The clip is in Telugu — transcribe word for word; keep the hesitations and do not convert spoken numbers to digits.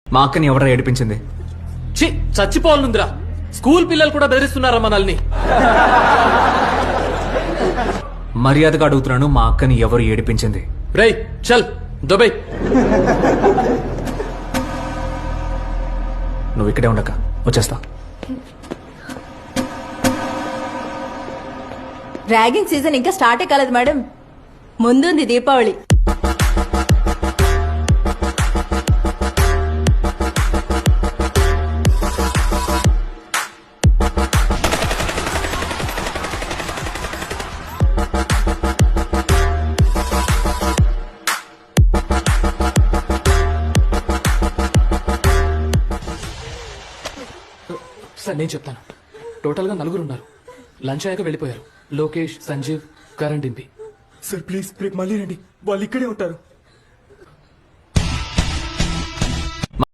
మా అక్కని ఎవరు ఏడిపించింది? చి చచ్చిపోవాలనుందిరా. స్కూల్ పిల్లలు కూడా బెదిరిస్తున్నారా మనల్ని? మర్యాదగా అడుగుతున్నాను, మా అక్కని ఎవరు ఏడిపించింది? రేయ్ చల్ దుబాయ్. నువ్వు ఇక్కడే ఉండక వచ్చేస్తా. ర్యాగింగ్ సీజన్ ఇంకా స్టార్టే కాలేదు మేడం, ముందుంది దీపావళి. సార్ నేను చెప్తాను. టోటల్ గా నలుగురు ఉన్నారు. లంచ్ అయ్యాక వెళ్ళిపోయారు. లోకేష్, సంజీవ్, కరణ్ డింపి. సార్ ప్లీజ్ రేపు మళ్ళీ రండి, వాళ్ళు ఇక్కడే ఉంటారు.